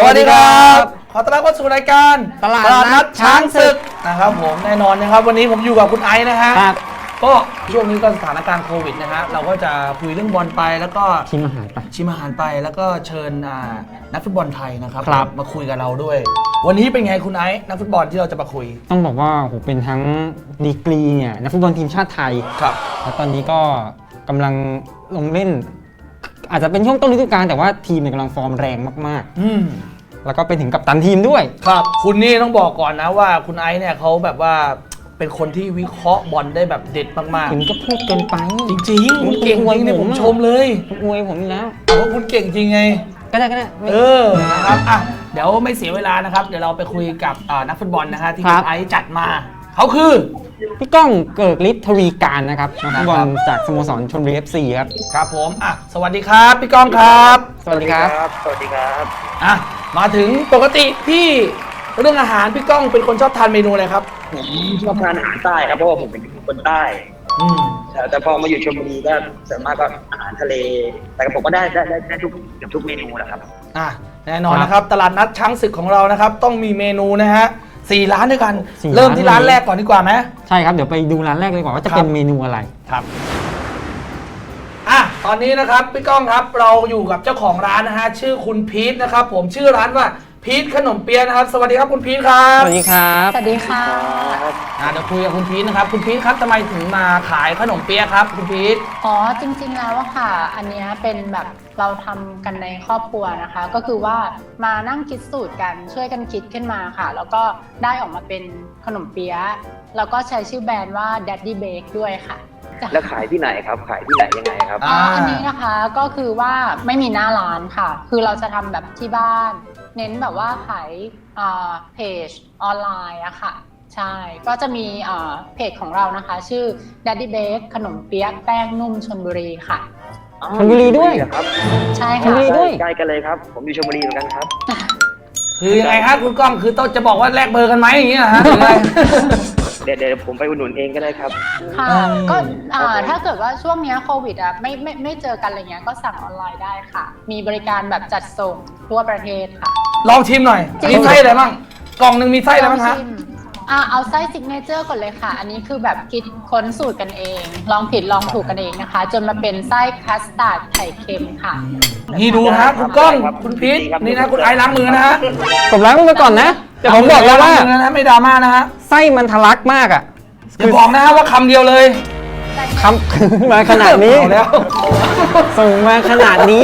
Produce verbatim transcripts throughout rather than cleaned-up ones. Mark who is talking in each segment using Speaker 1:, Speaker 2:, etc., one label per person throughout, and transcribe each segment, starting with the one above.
Speaker 1: วัสดีครับขอต้อนรับเข้าสู่รายการ
Speaker 2: ตลาดนัดช้างศึก
Speaker 1: นะครับผมแน่นอนนะครับวันนี้ผมอยู่กับคุณไอซ์นะฮะก็ช่วงนี้ก็สถานการณ์โควิดนะฮะเราก็จะคุยเรื่องบอลไปแล้วก็
Speaker 2: ชิมอาหารไป
Speaker 1: ชิมอาหารไปแล้วก็เชิญนักฟุตบอลไทยนะครับมาคุยกับเราด้วยวันนี้เป็นไงคุณไอซ์นักฟุตบอลที่เราจะมาคุย
Speaker 2: ต้องบอกว่าโหเป็นทั้งดีกรีเนี่ยนักฟุตบอลทีมชาติไทย
Speaker 1: ครับ
Speaker 2: แล้วตอนนี้ก็กำลังลงเล่นอาจจะเป็นช่วงต้นฤดูกาลแต่ว่าทีมกำลังฟอร์มแรงมาก
Speaker 1: ๆอืม
Speaker 2: แล้วก็เป็นถึงกัปตันทีมด้วย
Speaker 1: ครับคุณนี่ต้องบอกก่อนนะว่าคุณไอซ์เนี่ยเขาแบบว่าเป็นคนที่วิเคราะห์บอลได้แบบเด็ดมากๆ
Speaker 2: คุณก็พูดเกินไป
Speaker 1: จริงๆคุณเก่งจริงเนี่ยผมชมเลย
Speaker 2: อวยผมแล้ว
Speaker 1: เพราะคุณเก่งจริงไง
Speaker 2: ก็ได้ก็ได้
Speaker 1: เออนะครับอ่ะเดี๋ยวไม่เสียเวลานะครับเดี๋ยวเราไปคุยกับนักฟุตบอลนะฮะที่คุณไอซ์จัดมาเขาคือ
Speaker 2: พี่ก้องเกิกฤทธิ์ทวีการนะครับนักฟุตบอลจากสโมสรชลบุรี เอฟ ซี ครับ
Speaker 1: ครับผมอ่ะสวัสดีครับพี่ก้องครับ
Speaker 2: สวัสดีครับ
Speaker 3: สวัสดีครับ
Speaker 1: อ่ะมาถึงปกติที่เรื่องอาหารพี่ก้องเป็นคนชอบทานเมนูอะไรครับ
Speaker 3: ผมชอบทานอาหารใต้ครับเพราะว่าผมเป็นคนใต้
Speaker 1: อืม
Speaker 3: แต่พอมาอยู่ชลบุรีก็ส่วนมากก็อาหารทะเลแต่ผมก็ได้ได้ได้ทุกเกือบทุกเมนูแหละครับ
Speaker 1: อ่ะแน่นอนนะครับตลาดนัดช้างศึกของเรานะครับต้องมีเมนูนะฮะสี่ร้านด้วยกันเริ่มที่ร้านแรกก่อนดีกว่าไหม
Speaker 2: ใช่ครับเดี๋ยวไปดูร้านแรกเลยก่อนว่าจะเป็นเมนูอะไร
Speaker 1: ครับอ่ะตอนนี้นะครับพี่ก้องครับเราอยู่กับเจ้าของร้านนะฮะชื่อคุณพีทนะครับผมชื่อร้านว่าพีทขนมเปี๊ยะนะครับสวัสดีครับคุณพีทครับ
Speaker 2: สวัสดีครับ
Speaker 4: สวัสดีค่ะ
Speaker 1: อ่ะเดี๋ยวคุยกับคุณพีทนะครับคุณพีทครับทำไมถึงมาขายขนมเปี๊ยะครับคุณพีท
Speaker 4: อ๋อจริงๆแล้วอะค่ะอันนี้เป็นแบบเราทำกันในครอบครัวนะคะก็คือว่ามานั่งคิดสูตรกันช่วยกันคิดขึ้นมาค่ะแล้วก็ได้ออกมาเป็นขนมเปี๊ยะแล้วก็ใช้ชื่อแบรนด์ว่า Daddy Bake ด้วยค่ะ
Speaker 3: แล้วขายที่ไหนครับขายที่ไหนยังไงครับ
Speaker 4: อ๋ออันนี้นะคะก็คือว่าไม่มีหน้าร้านค่ะคือเราจะทำแบบที่บ้านเน้นแบบว่าขายเพจออนไลน์อะค่ะใช่ก็จะมีเพจของเรานะคะชื่อ Daddy Bake ขนมเปี๊ยะแป้งนุ่มชลบุรีค่ะ
Speaker 2: ชลบุรีด้วย
Speaker 3: ครับ
Speaker 4: ใช่
Speaker 2: ค่ะชลบุรีด้วย
Speaker 3: ใกล้กันเลยครับผมอยู่ชลบุรีเหมือนกันครับ
Speaker 1: คือยังไงครับคุณก้องคือต้องจะบอกว่าแลกเบอร์กันไหมอย่างเงี้ยฮะ
Speaker 3: เดี๋ยวเดี๋ยวผมไปอุดหนุนเองก็ได้ครับ
Speaker 4: ค่ะก็ถ้าเกิดว่าช่วงนี้โควิดอ่ะไม่ไม่ไม่เจอกันอะไรเงี้ยก็สั่งออนไลน์ได้ค่ะมีบริการแบบจัดส่งทั่วประเทศค่ะ
Speaker 1: ลองชิมหน่อยมีไส้อะไรบ้างกล่องหนึ่งมีไส้อะไรบ้างคะ
Speaker 4: อ่าเอาไส้ซิกเนเจอร์ก่อนเลยค่ะอันนี้คือแบบคิดค้นสูตรกันเองลองผิดลองถูกกันเองนะคะจนมาเป็นไส้คัสตาร์ดไข่เค็มค่ะ
Speaker 1: นี่ดูฮะคุณก้องคุณพีทนี่นะคุณไอล้างมือนะฮะ
Speaker 2: ผมล้างมือก่อนนะแต่ผมบอกแล้วว่า
Speaker 1: นะไม่ดราม่านะฮะ
Speaker 2: ไส้มันทะลักมากอ่ะ
Speaker 1: อย่าบอกนะฮะว่าคำเดียวเลย
Speaker 2: คำมาขนาดนี้
Speaker 1: แล้ว
Speaker 2: ส่งมาขนาดนี้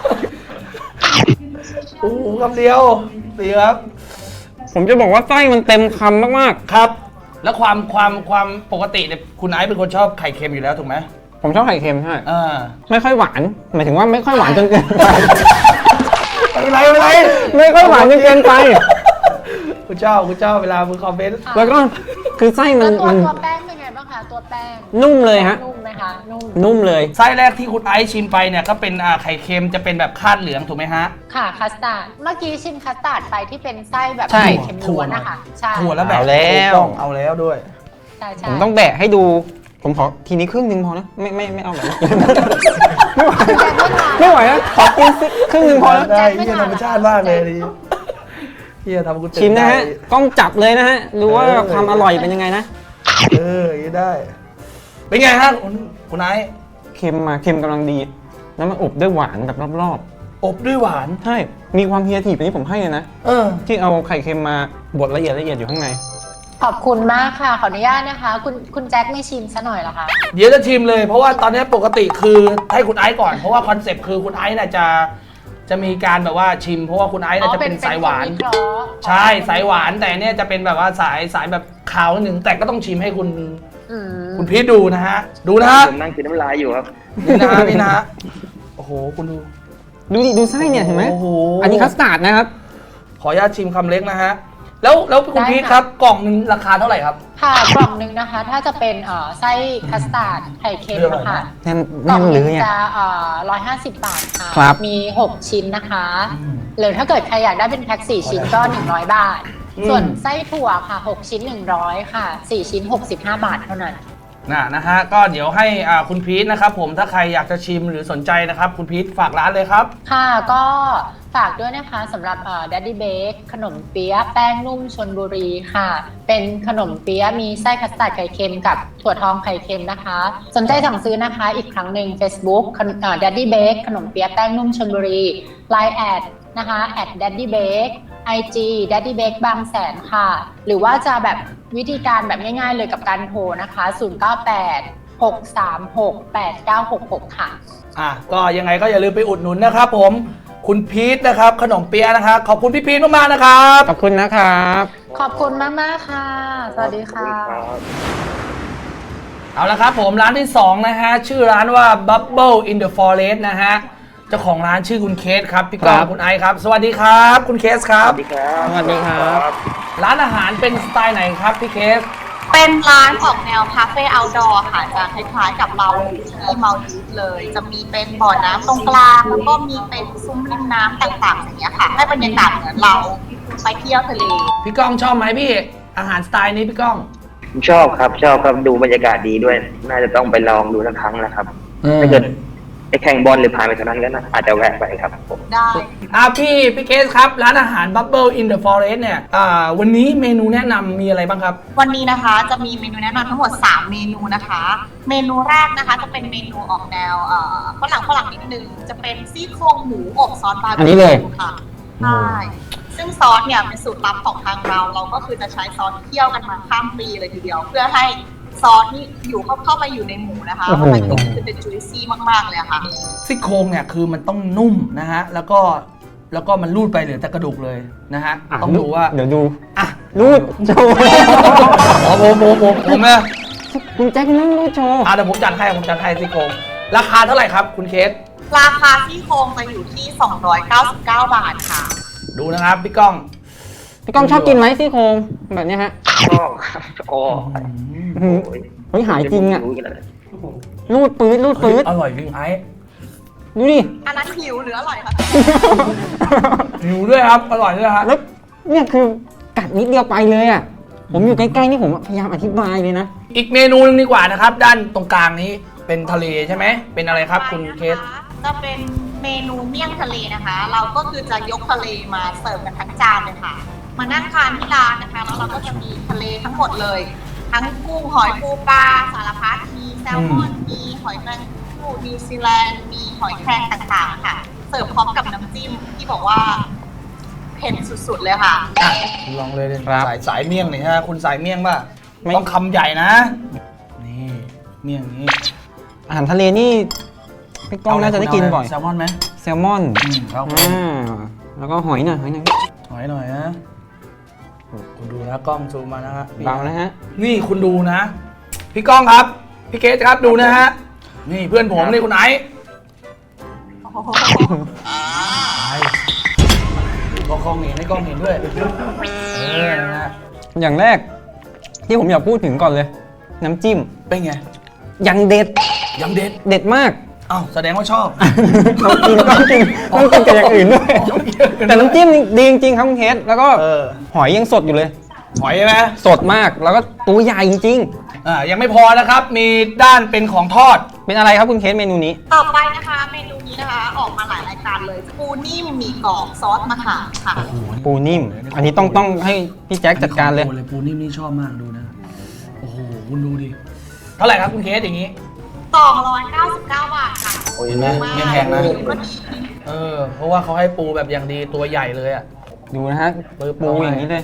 Speaker 1: โอ้คำเดียวดีครับ
Speaker 2: ผมจะบอกว่าไส้มันเต็มคำมาก
Speaker 1: ๆครับแล้วความความความปกติเนี่ยคุณไอซ์เป็นคนชอบไข่เค็มอยู่แล้วถูกไหม
Speaker 2: ผมชอบไข่เค็มใช่
Speaker 1: เออ
Speaker 2: ไม่ค่อยหวานหมายถึงว่าไม่ค่อยหวานจนเกินไป
Speaker 1: ไม่เป็นไรไม่เป็นไร
Speaker 2: ไม่ค่อยหวานจนเกินไป
Speaker 1: คุณเจ้าคุณเจ้าเวลามือคอมเมนต์
Speaker 2: แล้วก็คือไส้มัน
Speaker 4: ตัวตัวแป้งเป็นไงบ้างคะตัวแป้ง
Speaker 2: นุ่มเลยฮะ
Speaker 4: นุ่มไหมคะนุ่ม
Speaker 2: นุ่มเลย
Speaker 1: ไส้แรกที่คุณไอซ์ชิมไปเนี่ยก็เป็นไข่เค็มจะเป็นแบบคาดเหลืองถูกไหมฮะ
Speaker 4: ค่ะคัสตาร์ดเมื่อกี้ชิมคัสตาร์ดไปที่เป็นไส้แบบไข่เค็มล้วนนะคะ
Speaker 1: ใช่ถั่วแล้วแบบ
Speaker 2: แล้ว
Speaker 1: เอาแล้วด้วย
Speaker 2: ผมต้องแบะให้ดูผมขอทีนี้ครึ่งนึงพอนะไม่ไม่ไม่เอาแบบไม่ไหวนะขอกินครึ่งนึงพอแล้ว
Speaker 1: ได้ที่ธรรมชาติมากเลยที่จะทำคุณ
Speaker 2: ชิมนะฮะกล้องจับเลยนะฮะดูว่าความอร่อยเป็นยังไงนะ
Speaker 1: เออได้เป็นไงฮะคุณไอซ์
Speaker 2: เค็มมาเค็มกำลังดีแล้วมันอบด้วยหวานแบบรอบ
Speaker 1: ๆอบด้วยหวาน
Speaker 2: ใช่มีความเฮียทีไปนี่ผมให้เลยนะ
Speaker 1: เออ
Speaker 2: ที่เอาไข่เค็มมาบดละเอียดละเอียดอยู่ข้างใน
Speaker 4: ขอบคุณมากค่ะขออนุญาตนะคะคุณคุณแจ็คไม่ชิมซะหน่อยเหรอคะ
Speaker 1: เดี๋ยวจะชิมเลยเพราะว่าตอนนี้ปกติคือให้คุณไอซ์ก่อนเพราะว่าคอนเซ็ปต์คือคุณไอซ์น่ะจะจะมีการแบบว่าชิมเพราะว่าคุณไอซ์น่ะจะเป็นสายหวานใช่สายหวานแต่เนี่ยจะเป็นแบบว่าสายสายแบบขาวนิดนึงแต่ก็ต้องชิมให้คุณคุณพีทดูนะฮะดูนะฮะ
Speaker 3: ผมนั่งกินน้ำลายอยู่ครับ
Speaker 1: นี่นะฮะนี่นะฮะโอ้โหคุณดู
Speaker 2: ดูดิดูไส้เนี่ยเห็นไหมอันนี้คัสตาร์ดนะครับ
Speaker 1: ขออนุญาตชิมคำเล็กนะฮะแล้วแล้วคุณพีทครับกล่องหนึ่งราคาเท่าไหร่ครับ
Speaker 4: ค่ะกล่องหนึ่งนะคะถ้าจะเป็นไส้คัสตาร์ดไข่เค็มนะคะ
Speaker 2: กล่องนึง
Speaker 4: จะร้อยห้าสิบบาทค่ะมีหกชิ้นนะคะหรือถ้าเกิดใครอยากได้เป็นแพ็คสี่ชิ้นก็หนึ่งร้อยบาทส่วนไส้ถั่วค่ะหกชิ้นหนึ่งร้อยค่ะสี่ชิ้นหกสิบห้าบาทเท่านั้น
Speaker 1: นะนะฮะก็เดี๋ยวให้อ่าคุณพีทนะครับผมถ้าใครอยากจะชิมหรือสนใจนะครับคุณพีทฝากร้านเลยครับ
Speaker 4: ค่ะก็ฝากด้วยนะคะสำหรับ Daddy Bake ขนมเปี๊ยะแป้งนุ่มชลบุรีค่ะเป็นขนมเปี๊ยะมีไส้คัสตาร์ดไข่เค็มกับถั่วทองไข่เค็มนะคะสนใจสั่งซื้อนะคะอีกครั้งหนึ่ง Facebook Daddy Bake ขนมเปี๊ยะแป้งนุ่มชลบุรี ไลน์ แอดนะคะ แอท Daddy Bake ไอ จี Daddy Bake บางแสนค่ะหรือว่าจะแบบวิธีการแบบง่ายๆเลยกับการโทรนะคะศูนย์ เก้า แปด หก สาม หก แปด เก้า หก หกค่ะ
Speaker 1: อ่ะก็ยังไงก็อย่าลืมไปอุดหนุนนะครับผมคุณพีทนะครับขนมเปี๊ยะนะครับขอบคุณพี่พีทมากๆนะครับ
Speaker 2: ขอบคุณนะครับ
Speaker 4: ขอบคุณมากๆค่ะสวัสดีค่ะ
Speaker 1: เอาละครับผมร้านที่สองนะฮะชื่อร้านว่า Bubble in the Forest นะฮะเจ้าของร้านชื่อคุณเคสครับพี่ก้องคุณไอซ์ครับสวัสดีครับคุณเคสครับ
Speaker 3: สวัสดีครับ
Speaker 2: สวัสดีครับ
Speaker 1: ร้านอาหารเป็นสไตล์ไหนครับพี่เคส
Speaker 5: เป็นร้านออกแนวคาเฟ่เอาท์ดอร์ค่ะจะคล้ายๆกับเราที่เมาดีฟเลยจะมีเป็นบ่อน้ำตรงกลางแล้วก็มีเป็นซุ้มริมน้ำต่างๆอย่างเงี้ยค่ะให้บรรยากาศเหมือนเราไปเที่ยวทะเล
Speaker 1: พี่ก้องชอบไหมพี่อาหารสไตล์นี้พี่ก้อง
Speaker 3: ชอบครับชอบครับดูบรรยากาศดีด้วยน่าจะต้องไปลองดูสักครั้งนะครับถ้าเกิดไปแข่งบอลหรือผ่านไปทางนั้นก็นะอาจจะแวะไปครับผม
Speaker 5: ได้
Speaker 1: อ่าพี่พี่เคสครับร้านอาหาร Bubble in the Forest เนี่ยอ่าวันนี้เมนูแนะนำมีอะไรบ้างครับ
Speaker 5: วันนี้นะคะจะมีเมนูแนะนำทั้งหมดสามเมนูนะคะเมนูแรกนะคะจะเป็นเมนูออกแนวเอ่อฝรั่งฝรั่งนิดนึงจะเป็นซี่โครงหมูอบซอสบาร์บีคิวค่ะใช่ซึ่งซอสเนี่ยเป็นสูตรลับของทางเราเราก็คือจะใช้ซอสเคี่ยวกันมาข้ามปีเลยทีเดียวเพื่อให้ซอสนี่อยู่เข้าเข้าไปอยู่ในหมูนะคะแล้วมันก็คือเป็นจุยซี่มากๆเลยค่ะ
Speaker 1: ซี่โครงเนี่ยคือมันต้องนุ่มนะฮะแล้วก็แล้วก็มันรูดไปเหลือแต่กระดูกเลยนะฮะต้องดูว่า
Speaker 2: เดี๋ยวดู
Speaker 1: อ่ะ
Speaker 2: รูดโชว์
Speaker 1: อ๋อผมผมผมผมนะ
Speaker 2: คุณแจ็คนั่งรูดโชว์
Speaker 1: อ่ะเดี๋ยวผมจัดให้ผมจัดให้ซี่โครงราคาเท่าไหร่ครับคุณเคส
Speaker 5: ราคาซี่โครงจะอยู่ที่สองร้อยเก้าสิบเก้าบาทค่ะ
Speaker 1: ดูนะครับพี่ก้อง
Speaker 2: พี่ก้องชอบกินไหมซี่โครงแบบนี้ฮะ
Speaker 3: ชอบครับโอ้
Speaker 2: เฮ้ยหายจริงอ่ะรูดปื๊ดรูดปื๊ด
Speaker 1: อร่อยจริงไอ้
Speaker 2: ดูดิ
Speaker 5: อันนั้นหิวหรืออร่อยคะ
Speaker 1: หิวด้วยครับอร่อยด้วยครับ
Speaker 2: แล้วเนี่ยคือกัดนิดเดียวไปเลยอ่ะผมอยู่ใกล้ๆนี่ผมพยายามอธิบายเลยนะ
Speaker 1: อีกเมนูนึงดีกว่านะครับด้านตรงกลางนี้เป็นทะเลใช่ไหมเป็นอะไรครับคุณเคส
Speaker 5: จะเป็นเมนูเมี่ยงทะเลนะคะเราก็คือจะยกทะเลมาเสิร์ฟกันทั้งจานเลยค่ะมานั่งทานที่ร้านนะคะแล้วเราก็จะมีทะเลทั้งหมดเลยทั้งกุ้งหอยปูปลาสารพัดมีแซลมอนมีหอยแมงผู้นิวซีแลนด์มีหอยแครงต่างๆค่ะเสิร์ฟพร้อมกับน้ำจิ้มที่บอกว่าเผ็ดสุดๆเลยค่ะ
Speaker 1: ลองเลยเลยสายสายเมี่ยงหน่อยฮะคุณสายเมี่ยงป่ะต้องคำใหญ่นะนี่เมี่ยงนี้
Speaker 2: อาหารทะเลนี่พี่ก้องน่าจะได้กินบ่อย
Speaker 1: แซลมอนไหม
Speaker 2: แซลมอนอ่าแล้วก็หอยหน่อยหอยหน่อย
Speaker 1: หอยหน่อยนะคุณดูนะกล้องซูมมานะฮะ
Speaker 2: เบานะฮะ
Speaker 1: นี่คุณดูนะพี่ก้องครับพี่เกสครับดูนะฮะนี่เพื่อนผมนี่คุณไอซ์ก็กล้องเห็นให้กล้องเห็นด้วยเออนะ
Speaker 2: อย่างแรกที่ผมอยากพูดถึงก่อนเลยน้ำจิ้ม
Speaker 1: เป็นไง
Speaker 2: ยังเด็ด
Speaker 1: ยังเด็ด
Speaker 2: เด็ดมาก
Speaker 1: อ้าวแสดงว่าชอบ
Speaker 2: ต้องกินต้องกินต้องกินกับอย่างอื่นด้วยแต่น้ำจิ้มดีจริงๆครับคุณเคสแล้วก็หอยยังสดอยู่เลย
Speaker 1: หอยใช่ไหม
Speaker 2: สดมากแล้วก็ตัวใหญ่จริง
Speaker 1: ๆอ่ายังไม่พอนะครับมีด้านเป็นของทอด
Speaker 2: เป็นอะไรครับคุณเคสเมนูนี้
Speaker 5: ต่อไปนะคะเมนูนี้นะคะออกมาหลายรายการเลยปูนิ่มหมี่กรอบซอสมะขามค่ะ
Speaker 2: ปูนิ่มอันนี้ต้องต้องให้พี่แจ็คจัดการเลย
Speaker 1: ปูนิ่มนี่ชอบมากดูนะโอ้โหคุณดูดิเท่าไหร่ครับคุณเคสอย่างนี้
Speaker 5: สองร้อยเก้าสิบเก้าบาทค่ะ
Speaker 1: โอ้ยนะไม่แพงนะเออเพราะว่าเขาให้ปูแบบอย่างดีตัวใหญ่เลยอ่ะ
Speaker 2: ดูนะฮะปูอย่างนี้เลย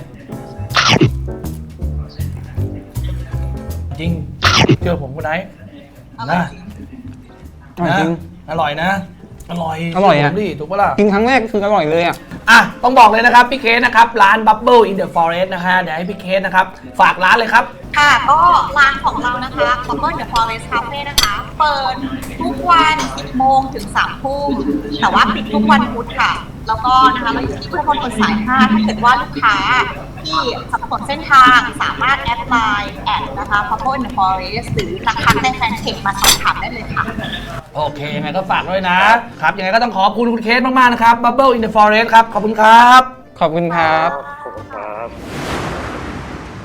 Speaker 1: จริงเชื่อผมคุณไนท์นะ
Speaker 2: จริง
Speaker 1: อร่อยนะอร่อย
Speaker 2: อร่อยอ่ะ
Speaker 1: ดิถูกปะล่ะ
Speaker 2: กินครั้งแรกคืออร่อยเลยอ่ะ
Speaker 1: อ่ะต้องบอกเลยนะครับพี่เคสนะครับร้าน Bubble in the Forest นะฮะเดี๋ยวให้พี่เคสนะครับฝากร้านเลยครับ
Speaker 5: ค่ะก็ร้านของเรานะคะ Bubble in the Forest Cafe นะคะเปิดทุกวันสิบโมงถึงสามทุ่มแต่ว่าปิดทุกวันพุธค่ะแล้วก็นะคะเราอยู่ที่พุทธมณฑลสายห้าถ้าเกิดว่าลูกค้าที่สับสนเส้นทางสามารถแอดไลน์แอดนะคะ Bubble in the Forest หรือทักทักในแฟนเพจมาสอบถามได้เลยค่ะ
Speaker 1: โอเคยังไงก็ฝากด้วยนะครับยังไงก็ต้องขอบคุณคุณเคสมากๆนะครับ Bubble in the Forest ครับขอบคุณครับ
Speaker 2: ขอบคุณครับ
Speaker 3: ขอบคุณครับ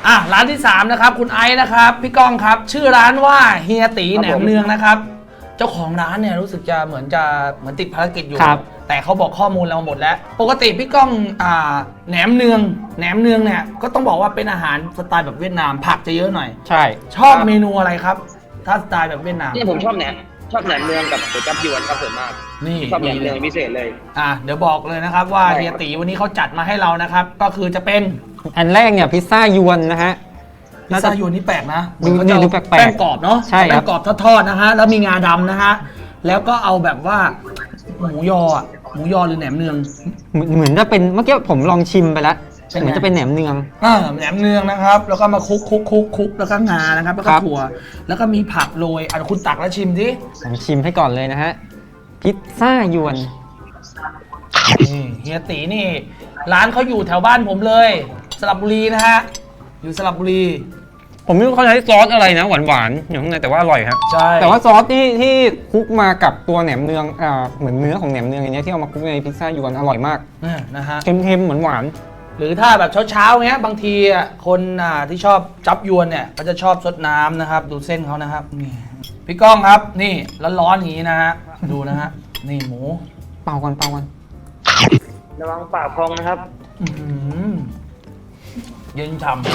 Speaker 1: อ่ะร้านที่สามนะครับคุณไอซ์นะครับพี่ก้องครับชื่อร้านว่าเฮียตีแหนมเนืองนะครับเจ้าของร้านเนี่ยรู้สึกจะเหมือนจะเหมือนติดภารกิจอยู่แต่เขาบอกข้อมูลเราหมดแล้วปกติพี่ก้องอ่าแหนมเนืองแหนมเนืองเนี่ยก็ต้องบอกว่าเป็นอาหารสไตล์แบบเวียดนามผักจะเยอะหน่อย
Speaker 2: ใช่
Speaker 1: ชอบเมนูอะไรครับถ้าสไตล์แบบเวียดนาม
Speaker 3: นี่ผมชอบแหนมชอบแหนมเนืองกับก๋วยจั๊บยวนครับส่วนมาก
Speaker 1: นี่
Speaker 3: ชอบแหนมเนืองพิเศษเลย
Speaker 1: อ่ะเดี๋ยวบอกเลยนะครับว่าเฮียตีวันนี้เขาจัดมาให้เรานะครับก็คือจะเป็น
Speaker 2: อันแรกเนี่ยพิซซ่ายวนนะฮะ
Speaker 1: พิซซ่ายวนนี่แปลกนะ
Speaker 2: ดูดูแปลกๆ
Speaker 1: แป้งกรอบเนาะ
Speaker 2: ใช่ครับ
Speaker 1: แป้งกรอบทอดๆนะฮะแล้วมีงาดำนะฮะแล้วก็เอาแบบว่าหมูยออ่ะหมูยอหรือแหนมเนือง
Speaker 2: เหมือนจะเป็นเมื่อกี้ผมลองชิมไปแล้วเหมือนจะเป็นแหนมเนือง
Speaker 1: อ่าแหนมเนืองนะครับแล้วก็มาคลุกคลุกคลุกคลุกแล้วก็งานะครับแล้วก็ถั่วแล้วก็มีผักโรยอ่ะคุณตักแล้วชิมดิ
Speaker 2: ลองชิมให้ก่อนเลยนะฮะพิซซ่ายวน
Speaker 1: นี่เฮียตีนี่ร้านเขาอยู่แถวบ้านผมเลยสระบุรีนะฮะอยู่สระบุรี
Speaker 2: ผมไม่รู้เขาใช้ซอสอะไรนะหวานๆอยู่ข้างในแต่ว่าอร่อยครับ
Speaker 1: ใช่
Speaker 2: แต่ว่าซอสที่ที่คลุกมากับตัวแหนมเนืองอ่าเหมือนเนื้อของแหนมเนืองอย่างเงี้ยที่เอามาคลุกในพิซซ่ายวนอร่อยมาก
Speaker 1: นะฮะ
Speaker 2: เค็มๆเหมือนหวาน
Speaker 1: หรือถ้าแบบเช้าๆเงี้ยบางทีอ่ะคนอ่าที่ชอบจับยวนเนี่ยก็จะชอบซดน้ำนะครับดูเส้นเขานะครับนี่พี่ก้องครับนี่ร้อนๆอย่างนี้นะฮะดูนะฮะนี่หมู
Speaker 2: เป่ากันเป่ากัน
Speaker 3: ระวังปากพองนะครับ
Speaker 1: เย็นฉ่ำ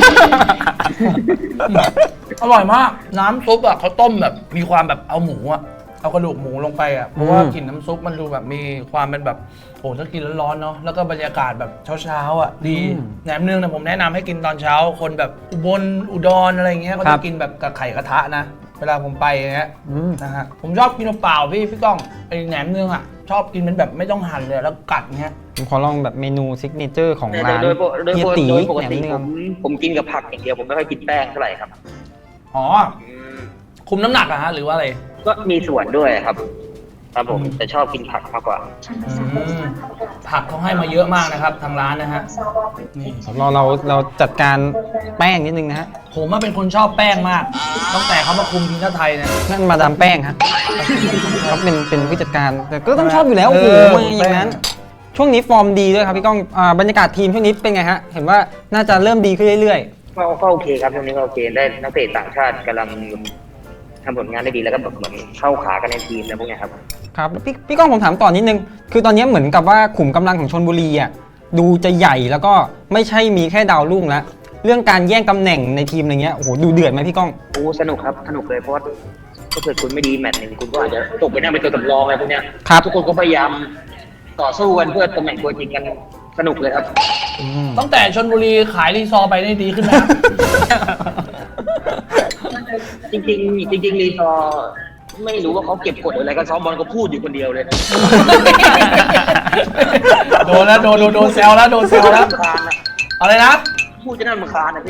Speaker 1: อร่อยมากน้ำซุปอ่ะเขาต้มแบบมีความแบบเอาหมูอ่ะเอากระดูกหมูลงไปอ่ะเพราะว่ากลิ่นน้ำซุปมันดูแบบมีความเป็นแบบโอ้ถ้ากินร้อนๆเนาะแล้วก็บรรยากาศแบบเช้าๆอ่ะดีแหนมเนืองเนี่ยผมแนะนำให้กินตอนเช้าคนแบบอุบลอุดรอะไรเงี้ยเขาจะกินแบบกับไข่กระทะนะเวลาผมไปอย่างเงี้ยนะฮะผมชอบกินเปล่าพี่พี่ก้องไอแหนมเนืองอ่ะชอบกินเป็นแบบไม่ต้องหั่นเลยแล้วกัดเงี้ย
Speaker 2: ผมขอลองแบบเมนูซิกเนเจอร์ของร้าน
Speaker 3: เฮียตีแหนมเนืองผมกินกับผักอย่างเดียวผมไม่ค่อยกินแป้งเท่าไหร่ครับ
Speaker 1: อ๋อคุมน้ำหนักอะฮะหรือว่าอะไร
Speaker 3: ก็มีส่วนด้วยครับครับผมแต่ชอบกินผักมากกว่า
Speaker 1: ผักเขาให้มาเยอะมากนะครับทางร้านนะฮะ
Speaker 2: นี่เราเราเราจัดการแป้งนิดนึงนะฮะ
Speaker 1: ผมว่าเป็นคนชอบแป้งมากตั้งแต่เขามาคุมทีมชาติไทยเนี่ย
Speaker 2: นั่นมาดามแป้งฮะเขาเป็นเป็นผู้จัดการแต่ก็ต้องชอบอยู่แล้วโอ้โหมาอย่างนั้นช่วงนี้ฟอร์มดีด้วยครับพี่ก้องบรรยากาศทีมช่วงนี้เป็นไงฮะเห็นว่าน่าจะเริ่มดีขึ้นเรื่อย
Speaker 3: ๆก็โอเคครับช่วงนี้ก็โอเคได้นักเตะต่างชาติกำลังทำผลงานได้ดีแล้วก็แบบเหมือนเข้าขากันในทีมแล้วพวกนี้ครับ
Speaker 2: ครับพี่พี่ก้องผมถามต่อนิดนึงคือตอนนี้เหมือนกับว่าขุมกำลังของชลบุรีอ่ะดูจะใหญ่แล้วก็ไม่ใช่มีแค่ดาวรุ่งแล้วเรื่องการแย่งตำแหน่งในทีมอะไรเงี้ยโอ้โหดูเดือดไหมพี่ก้อง
Speaker 3: โอ้สนุกครับสนุกเลยเพราะว่าถ้าเกิดคุณไม่ดีแมตช์หนึ่งคุณก็อาจจะตกไปนั่งเป็นตัวสำรองอะไรพวกเนี้ยทุกคนก็พยายามต่อสู้กันเพื่อตำแหน่งตัวจริงกันสนุกเลยครับ
Speaker 1: ตั้งแต่ชลบุรีขายรีซอร์ไปได้ดีขึ้นนะ
Speaker 3: จริงจริงจริงรีซอร์ไม่รู้ว่าเขาเก็บกดอะไรกันซ้อมบอลก็พูดอยู่คนเดียวเลย
Speaker 1: โดนแล้วโดนโดนเซลแล้วโดนเซลแล้วอะไรนะ
Speaker 3: พูดจะน่ารำคาญนะพี่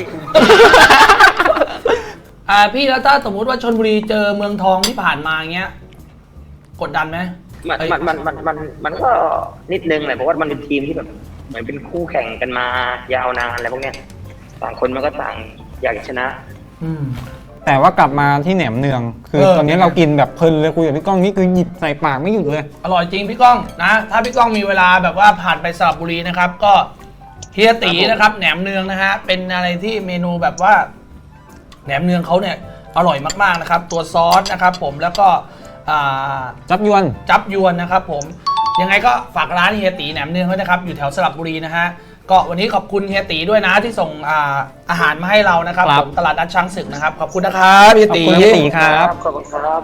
Speaker 1: อ่าพี่แล้วถ้าสมมุติว่าชลบุรีเจอเมืองทองที่ผ่านมาเงี้ยกดดันไหม
Speaker 3: มันมันมันมันมันก็นิดนึงแหละเพราะว่ามันเป็นทีมที่แบบเหมือนเป็นคู่แข่งกันมายาวนานอะไรพวกเนี้ยต่างคนมันก็ต่างอยากชนะ
Speaker 2: แต่ว่ากลับมาที่แหนมเนืองคือตอนนี้เรากินแบบเพลินเลยคุยกับพี่ก้องนี่คือหยิบใส่ปากไม่หยุดเลย
Speaker 1: อร่อยจริงพี่ก้องนะถ้าพี่ก้องมีเวลาแบบว่าผ่านไปสระบุรีนะครับก็เฮียตีนะครับแหนมเนืองนะฮะเป็นอะไรที่เมนูแบบว่าแหนมเนืองเขาเนี่ยอร่อยมากๆนะครับตัวซอสนะครับผมแล้วก็
Speaker 2: จับยวน
Speaker 1: จับยวนนะครับผมยังไงก็ฝากร้านเฮียตีแหนมเนืองด้วยนะครับอยู่แถวสระบุรีนะฮะก็วันนี้ขอบคุณเฮียตีด้วยนะที่ส่ง อา, อาหารมาให้เรานะครับผมตลาดนัดช้างศึกนะครับขอบคุณนะครับเฮียตี
Speaker 2: ขอบคุณเฮียตีครับ
Speaker 3: ขอบคุณครับ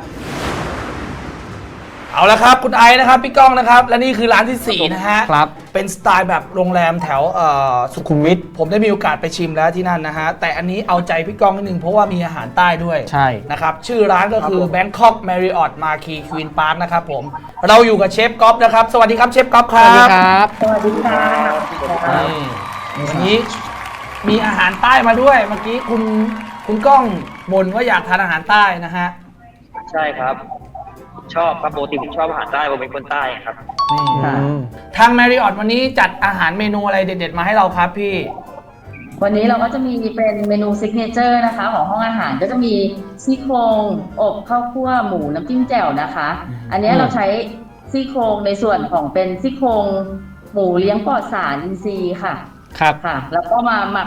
Speaker 1: เอาละครับคุณไอนะครับพี่ก้องนะครับและนี่คือร้านที่สี่นะฮะ
Speaker 2: ครับ
Speaker 1: เป็นสไตล์แบบโรงแรมแถวสุขุมวิทผมได้มีโอกาสไปชิมแล้วที่นั่นนะฮะแต่อันนี้เอาใจพี่ก้องนิดนึงเพราะว่ามีอาหารใต้ด้วย
Speaker 2: ใช่
Speaker 1: นะครับชื่อร้านก็คือ Bangkok Marriott Marquis Queen Park นะครับผมเราอยู่กับเชฟก๊อฟนะครับสวัสดีครับเชฟก๊อฟครับ
Speaker 2: สวัสดีครับ
Speaker 4: สวัสดีค่ะ
Speaker 1: วันนี้มีอาหารใต้มาด้วยเมื่อกี้คุณคุณก้องบ่นว่าอยากทานอาหารใต้นะฮะ
Speaker 3: ใช่ครับชอบครับปกติผมชอบอาหารใต้ผมเป็นคนใต้ครับ
Speaker 1: นี่ทาง Marriott วันนี้จัดอาหารเมนูอะไรเด็ดๆมาให้เราครับพี่
Speaker 4: วันนี้เราก็จะมีเป็นเมนูซิกเนเจอร์นะคะของห้องอาหารก็จะมีซี่โครงอบข้าวคั่วหมูน้ำจิ้มแจ่วนะคะอันนี้เราใช้ซี่โครงในส่วนของเป็นซี่โครงหมูเลี้ยงปลอดสารอินทรีย์ค่ะ
Speaker 2: ครับ
Speaker 4: ค่ะแล้วก็มาหมัก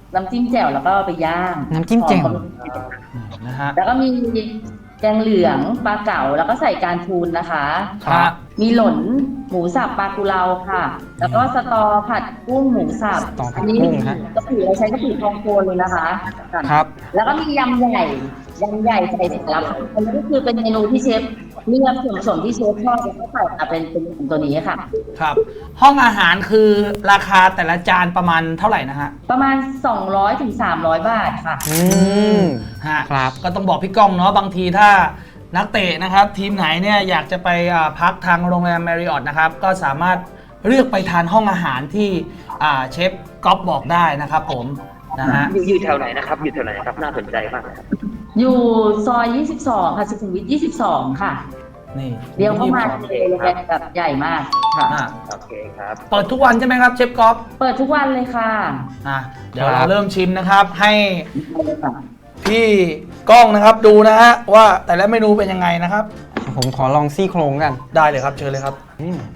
Speaker 6: น้ำจิ้มแจ่วแล้วก็ไปย่าง
Speaker 2: น้ำจิ้มแจ่ว
Speaker 6: หอ
Speaker 1: นะฮะ
Speaker 6: แล้วก็มีแกงเหลืองปลาเก๋าแล้วก็ใส่การทูนนะคะ
Speaker 1: ครับ
Speaker 6: มีหล่นหมูสับปลากุเลาค่ะ แล้วก็สตอผัดกุ้งหมูสับ
Speaker 2: สตอผัด
Speaker 6: อันนี้
Speaker 2: กุ้งฮะ
Speaker 6: กะปิเราใช้กะปิทองโคนเลยนะคะ
Speaker 2: ครับ
Speaker 6: แล้วก็มียำใหญ่ยำใหญ่ใส่สารพัดอันนี้ก็คือเป็นเมนูที่เชฟเลือกส่วนผสมที่เชฟชอบแล้วก็ใส่มาเป็นเป็นตัวนี้ค่ะ
Speaker 1: ครับ ห้องอาหารคือราคาแต่ละจานประมาณเท่าไหร่นะฮะ
Speaker 6: ประมาณสองร้อยถึงสามร้อยบาทค่ะ
Speaker 2: อืม
Speaker 1: ฮะ
Speaker 2: ครับ
Speaker 1: ก็ต้องบอกพี่ก้องเนาะบางทีถ้านักเตะนะครับ ทีมไหนเนี่ยอยากจะไปอ่าพักทางโรงแรม Marriott นะครับ ก็สามารถเลือกไปทานห้องอาหารที่อ่าเชฟก๊อฟบอกได้นะครับผมนะฮะ
Speaker 3: อยู่อยู่แถวไหนนะครับ อยู่แถวไหนครับ น่าสนใจมากนะครับ
Speaker 6: อยู่ซอยยี่สิบสองค่ะสุขุมวิทยี่สิบสองค่ะ
Speaker 1: นี่
Speaker 6: เดี๋ยวเข้ามาเลยเลยแบบใหญ่มากค่ะ
Speaker 1: อ่ะ
Speaker 3: โอเคครับ
Speaker 1: เปิดทุกวันใช่ไหมครับเชฟก๊อฟ
Speaker 6: เปิดทุกวันเลยค่ะ
Speaker 1: อ่ะเดี๋ยว
Speaker 2: ครั
Speaker 1: เรา
Speaker 2: บ
Speaker 1: เริ่มชิมนะครับ ให้พี่ก้องนะครับดูนะฮะว่าแต่ละเมนูเป็นยังไงนะครับ
Speaker 2: ผมขอลองซี่โครงกัน
Speaker 1: ได้เลยครับเชิญเลยครับ
Speaker 2: อืม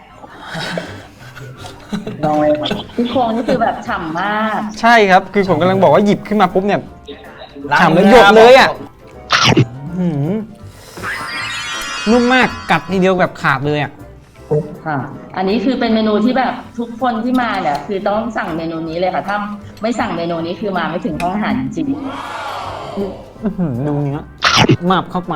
Speaker 6: ลองเลยที่โครงนี่คือแบบฉ่ำมาก
Speaker 2: ใช่ครับ คือผมกำลังบอกว่าหยิบขึ้นมาปุ๊บเนี่ย
Speaker 1: ล้าง
Speaker 2: ฉ่ำแล้ว
Speaker 1: มือ
Speaker 2: หยดเลยอ่ะ
Speaker 1: ครับ
Speaker 2: หืมนุ่มมากกัดทีเดียวแบบขาดเลยอ่ะ
Speaker 6: ค่ะ อันนี้คือเป็นเมนูที่แบบทุกคนที่มาเนี่ยคือต้องสั่งเมนูนี้เลยค่ะ ถ้าไม่สั่งเมนูนี้คือมาไม่ถึงห้องอาหารจริง
Speaker 2: อื้อหือดูเนื้อมาบเข้าไป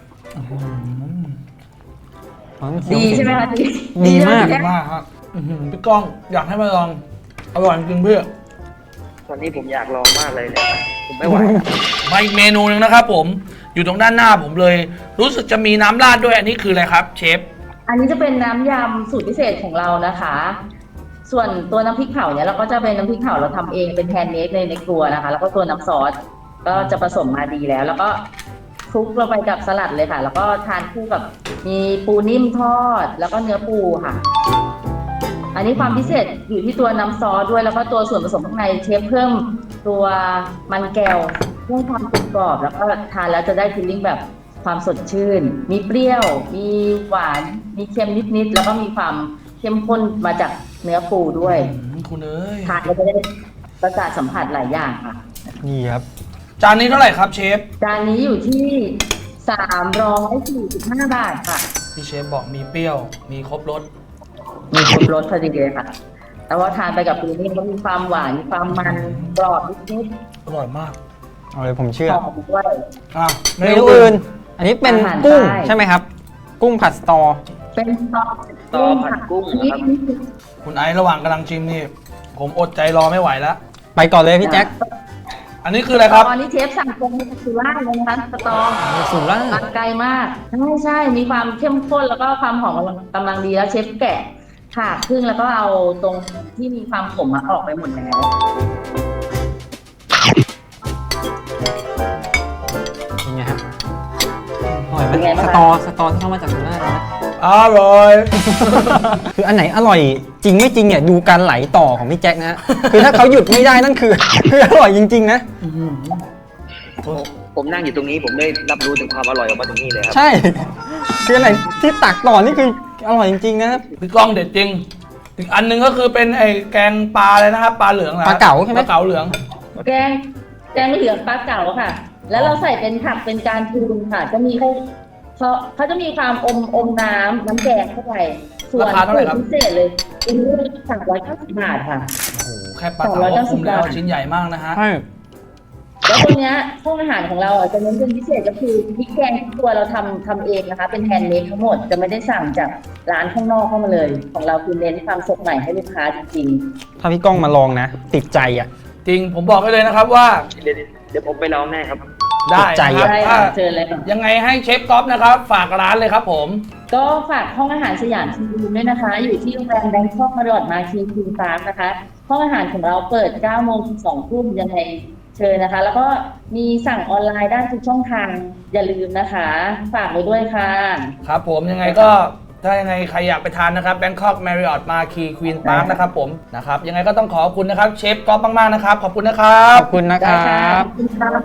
Speaker 6: ดีใช่ไหมคะดี
Speaker 2: ดีมาก
Speaker 6: ใช่
Speaker 1: ดี
Speaker 6: ไห
Speaker 1: มากครับอื้อหือพี่ก้องอยากให้มาลองอร่อยจริงๆเพื่อ
Speaker 3: ตอนนี้ผมอยากลองมากเลยเนี่ยผมไม่ไหวครับ
Speaker 1: มาอีกเมนูหนึงนะครับผมอยู่ตรงด้านหน้าผมเลย รู้สึกจะมีน้ำราดด้วยอันนี้คืออะไรครับเชฟ
Speaker 6: อันนี้จะเป็นน้ำยำสูตรพิเศษของเรานะคะ ส่วนตัวน้ำพริกเผาเนี่ยเราก็จะเป็นน้ำพริกเผาเราทำเองเป็นแฮนด์เมดในในครัวนะคะ แล้วก็ตัวน้ำซอสก็จะผสมมาดีแล้ว แล้วก็คลุกลงไปกับสลัดเลยค่ะ แล้วก็ทานคู่กับมีปูนิ่มทอด แล้วก็เนื้อปูค่ะ อันนี้ความพิเศษอยู่ที่ตัวน้ำซอสด้วย แล้วก็ตัวส่วนผสมข้างในเชฟเพิ่มตัวมันแก้วเพื่อความกรุบกรอบ แล้วก็ทานแล้วจะได้ฟีลลิ่งแบบความสดชื่น มีเปรี้ยว มีหวาน มีเค็มนิดๆ แล้วก็มีความเข้มข้นมาจากเนื้อปูด้วย
Speaker 1: อืมคุณเอ้ย
Speaker 6: ทานแล้วจะได้ประสาทสัมผัสหลายอย่างค่ะ
Speaker 2: นี่ครับ
Speaker 1: จานนี้เท่าไหร่ครับเชฟ
Speaker 6: จานนี้อยู่ที่สามร้อยสี่สิบห้าบาทค่ะ
Speaker 1: ที่เชฟบอกมีเปรี้ยวมีครบรส
Speaker 6: มีครบรสพอดีเลยค่ะ แต่ว่าทานไปกับปูนิ่มก็มีความหวาน มีความมันกรอบนิด
Speaker 1: อร่อยมาก
Speaker 2: เอาเลยผมเชื่
Speaker 6: ๆ
Speaker 2: อ
Speaker 6: หอมด้วย
Speaker 1: อ่ะ
Speaker 2: เมนูอื่น อันนี้เป็น
Speaker 6: อาหาร
Speaker 2: กุ้ง
Speaker 6: ใต้
Speaker 2: ใช่ไหมครับ กุ้งผัดสตอ
Speaker 6: เป็นซอส
Speaker 3: ซอสผัดกุ้งนะครับ
Speaker 6: นี่คือ
Speaker 1: คุณไอซ์ระหว่างกำลังชิมนี่ ผมอดใจรอไม่ไหวแล้ว
Speaker 2: ไปก่อนเลยพี่แจ็ค
Speaker 1: อันนี้คืออะไรครับ
Speaker 6: ตอนนี้เชฟสั่งตรงมาจากสุราษฎร์เลยนะคะสตอ
Speaker 2: สุราษฎ
Speaker 6: มา
Speaker 2: ร์
Speaker 6: ไกลมาก ใช่ใช่มีความเข้มข้นแล้วก็ความหอมกำลังดีแล้วเชฟแกะผ่าครึ่งแล้วก็เอาตรงที่มีความขมอะออกไปหมดแล้ว
Speaker 2: เป็นไงครับอร่อยไหม
Speaker 6: เป็นไงบ้าง
Speaker 2: ส
Speaker 6: คะ
Speaker 2: ตอสตอที่เข้ามาจากสุราษฎร์นะ
Speaker 1: อร่อย
Speaker 2: คืออันไหนอร่อยจริงไม่จริงเนี่ยดูการไหลต่อของพี่แจ็คนะฮะ คือถ้าเขาหยุดไม่ได้นั่นคือ คืออร่อยจริงๆนะ
Speaker 3: ผมนั่งอยู่ตรงนี้ผมได้รับรู้ถึงความอร่อยออกมาตรงนี้เลยครับ
Speaker 2: ใช่ คืออะไรที่ตักต่อนี่คืออร่อยจริงๆนะครับ
Speaker 1: พี่ก้องเด็ดจริง อีกอันหนึงก็คือเป็นไอ้แกงปลาเลยนะครับ ปลาเหลืองหรอ
Speaker 2: ปลาเก๋าใช่ไหม
Speaker 1: ปลาเก๋าเหลือง
Speaker 6: แกงแกงเหลืองปลาเก๋าค่ะ แล้วเราใส่เป็นผักเป็นการทูนค่ะ จะมีเขาเขาเขาจะมีความอมอมน้ำน้ำแกงเข้าไปส่วน
Speaker 1: ราคาเท่าไหร่ครับ
Speaker 6: พิเศษเลยอันนี้สามร้อยเก้าสิบบาทค่ะ
Speaker 1: โอ้โหแค่ปลาเก๋าก็คุ้มแล้วชิ้นใหญ่มากนะฮะ
Speaker 2: ใช่
Speaker 6: แล้วตัวเนี้ยห้องอาหารของเราอ่ะจะเน้นเป็นพิเศษก็คือพริกแกงทุกตัวเราทำทำเองนะคะ เป็นแฮนด์เมดทั้งหมดจะไม่ได้สั่งจากร้านข้างนอกเข้ามาเลย ของเราคือเน้นความสดใหม่ให้ลูกค้าจริง
Speaker 2: ถ้าพี่ก้องมาลองนะ ติดใจอ่ะ
Speaker 1: จริงผมบอกให้เลยนะครับว่า
Speaker 3: เดี๋ยวเดี๋ยวผมไปลองแน่ครับ
Speaker 1: ได้
Speaker 2: ใจ
Speaker 6: ๆ
Speaker 1: นะ
Speaker 6: ใช่
Speaker 1: ครับ
Speaker 6: ค่ะ
Speaker 1: ถ้า
Speaker 6: เชิญเลยค่ะ
Speaker 1: ยังไงให้เชฟก๊อฟนะครับ ฝากร้านเลยครับผม
Speaker 6: ก็ฝากห้องอาหารสยามชิมบูด้วยนะคะ อยู่ที่โรงแรมแบงคอกมาริออทมาคีควีนพาร์คนะคะ ห้องอาหารของเราเปิดเก้าโมงถึงสองทุ่มยังไงเชิญนะคะ แล้วก็มีสั่งออนไลน์ได้ทุกช่องทางอย่าลืมนะคะ ฝากไว้ด้วยค่ะ
Speaker 1: ครับผมยังไงก็ถ้ายังไงใครอยากไปทานนะครับ Bangkok Marriott Marquis Queen Park นะครับผมนะครับยังไงก็ต้องขอบคุณนะครับเชฟก๊อฟมากๆนะครับขอบคุณนะครับ
Speaker 2: ขอบคุณนะค
Speaker 6: ได้
Speaker 2: รั
Speaker 6: ค่ะ
Speaker 2: บ
Speaker 6: ขอบคุณค่ะ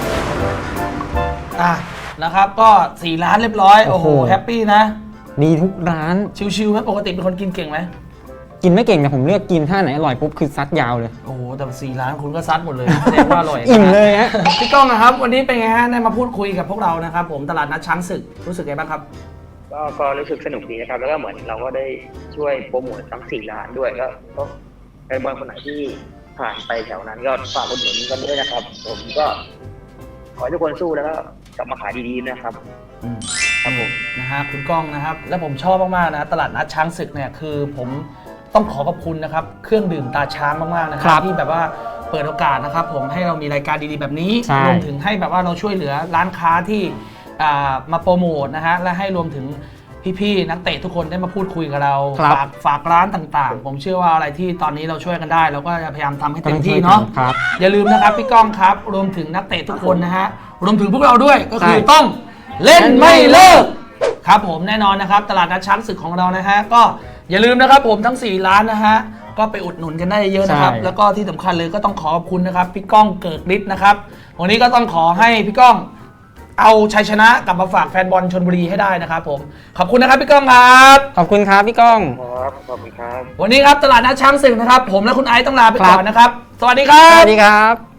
Speaker 1: อ่ะนะครับก็สี่ร้านเรียบร้อย โอ้โห
Speaker 2: โอ้โห
Speaker 1: แฮปปี้นะ
Speaker 2: ดีทุกร้าน
Speaker 1: ชิวๆไหมปกติเป็นคนกินเก่งไหม
Speaker 2: กินไม่เก่งแต่ผมเลือกกินถ้าไหนอร่อยปุ๊บคือซัดยาวเลย
Speaker 1: โอ้โหแต่สี่ร้านคุณก็ซัดหมดเลยแสดงว่าอร่อยนะ
Speaker 2: อิ่มเลยฮะ
Speaker 1: พี่ก้องนะครับวันนี้เป็นไงฮะได้มาพูดคุยกับพวกเรานะครับผมตลาดนัดช้างศึกรู้สึกไงบ้างครับ
Speaker 3: ก็ก็รู้สึกสนุกดีนะครับ แล้วก็เหมือนเราก็ได้ช่วยโปรโมททั้งสี่ร้านด้วยก็ก็ใครบางคนไหนที่ผ่านไปแถวนั้นก็ฝากอุดหนุนกันด้วยนะครับ ผมก็ขอให้ทุกคนสู้แล้วก็กลับมาขายดีๆนะครับ
Speaker 1: อืมครับผมนะฮะคุณก้องนะครับและผมชอบมากๆนะตลาดนัดช้างศึกเนี่ยคือผมต้องขอขอบคุณนะครับเครื่องดื่มตาช้างมากๆนะค
Speaker 2: ครั
Speaker 1: รับบ ที่แบบว่าเปิดโอกาสนะครับผมให้เรามีรายการดีๆแบบนี้
Speaker 2: ใช่
Speaker 1: รวมถึงให้แบบว่าเราช่วยเหลือร้านค้าที่อ่ามาโปรโมทนะฮะและให้รวมถึงพี่ๆนักเตะทุกคนได้มาพูดคุยกับเรา
Speaker 2: ครับ
Speaker 1: ฝากฝากร้านต่างๆ ผมเชื่อว่าอะไรที่ตอนนี้เราช่วยกันได้เราก็จะพยายามทำให้เต็มที่เนาะ
Speaker 2: ครับ
Speaker 1: อย่าลืมนะครับพี่ก้องครับรวมถึงนักเตะทุกคนนะฮะรวมถึงพวกเราด้วยก็คือ
Speaker 2: ใช่
Speaker 1: ต้องเล่นไม่เลิกครับผมแน่นอนนะครับตลาดนัดช้างศึกของเรานะฮะก็อย่าลืมนะครับผมทั้งสี่ร้านนะฮะก็ไปอุดหนุนกันได้เยอะนะครับ
Speaker 2: ใช่
Speaker 1: แล้วก็ที่สำคัญเลยก็ต้องขอขอบคุณนะครับพี่ก้องเกิกฤทธิ์นะครับวันนี้ก็ต้องขอให้พี่ก้องเอาชัยชนะกลับมาฝากแฟนบอลชลบุรีให้ได้นะครับผมขอบคุณนะครับพี่ก้องครับ
Speaker 2: ขอบคุณครับพี่ก้อง
Speaker 3: ครับขอบคุณครับ
Speaker 1: วันนี้ครับตลาดนัดช้างศึกนะครับผมและคุณไอซ์ต้องลาไป
Speaker 2: ครับ
Speaker 1: ก่อนนะครับสวัสดีครั
Speaker 2: ส
Speaker 1: บ
Speaker 2: วัสดีครับ